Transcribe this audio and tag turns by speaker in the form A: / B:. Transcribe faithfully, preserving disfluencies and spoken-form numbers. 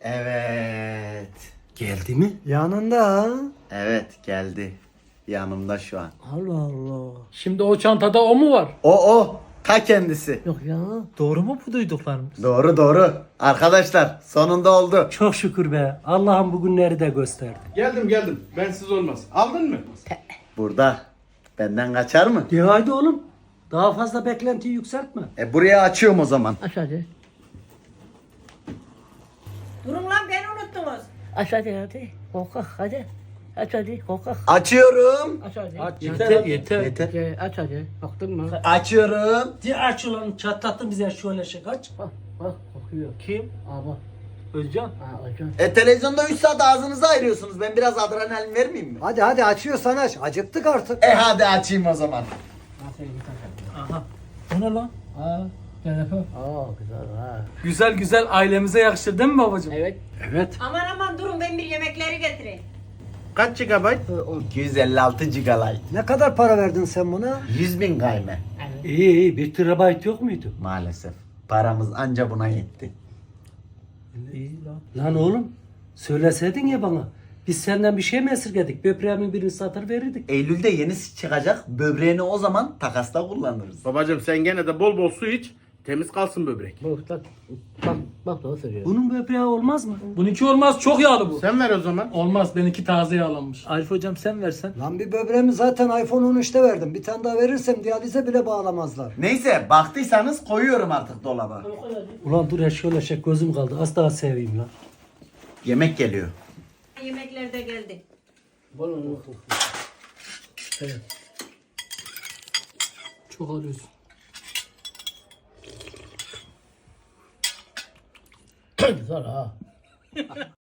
A: Evet.
B: Geldi mi?
C: Yanında.
A: Evet geldi. Yanımda şu an.
C: Allah Allah.
D: Şimdi o çantada o mu var?
A: O o. Ta kendisi.
C: Yok ya. Doğru mu bu duyduklarımız?
A: Doğru doğru. Arkadaşlar sonunda oldu.
B: Çok şükür be. Allah'ım bugünleri de gösterdi.
E: Geldim geldim. Bensiz olmaz. Aldın mı?
A: Burada. Benden kaçar mı?
B: De haydi oğlum. Daha fazla beklentiyi yükseltme.
A: E buraya açıyorum o zaman.
C: Aç hadi.
F: Durun lan beni unuttunuz.
C: Aç hadi hadi. Korkak hadi. Aç hadi korkak.
A: Açıyorum.
C: Aç hadi.
B: Aç,
D: Yeter
B: yeter.
D: yeter.
A: Yeter.
C: Ye, aç hadi. Baktın mı?
A: Açıyorum.
B: De aç ulan çatlattın bize şöyle şey kaç.
C: Bak bak kokuyor.
B: Kim?
C: Aa bak.
D: Özcan.
C: Aa hocam.
A: E televizyonda üç saat ağzınızı ayırıyorsunuz. Ben biraz adrenalin vermeyeyim mi?
C: Hadi hadi açıyorsan aç. Acıktık artık.
A: E hadi açayım o zaman.
C: Aferin git aç.
D: Aha. O ne lan?
C: Aa.
D: Telefon.
C: Aa güzel ha.
D: Güzel güzel ailemize yakışır değil mi babacığım?
C: Evet.
B: Evet.
F: Aman aman durun ben bir yemekleri getireyim.
E: Kaç gigabayt?
A: iki yüz elli altı gigabayt.
C: Ne kadar para verdin sen buna?
A: yüz bin kayme.
B: İyi iyi. Bir terabayt yok muydu?
A: Maalesef. Paramız anca buna yetti.
B: İyi lan. Lan oğlum. Söyleseydin ya bana. Biz senden bir şey mi esirgedik? Böbreğimin birini satır verirdik.
A: Eylül'de yenisi çıkacak. Böbreğini o zaman takasta kullanırız.
E: Babacım sen gene de bol bol su iç. Temiz kalsın böbrek.
C: Bak bak. Bak bak doğru söylüyor.
B: Bunun böbreği olmaz mı?
D: Bununki olmaz, çok yağlı bu.
E: Sen ver o zaman.
D: Olmaz, benimki taze yağlanmış. Arif hocam sen versen.
C: Lan bir böbreğimi zaten iPhone on üçte verdim. Bir tane daha verirsem diyalize bile bağlamazlar.
A: Neyse baktıysanız koyuyorum artık dolaba.
B: Ulan dur ya şöyle şey gözüm kaldı. Az daha seveyim lan.
A: Yemek geliyor.
F: Yemekler de geldi.
D: Çok alıyorsun.
C: Güzel ha.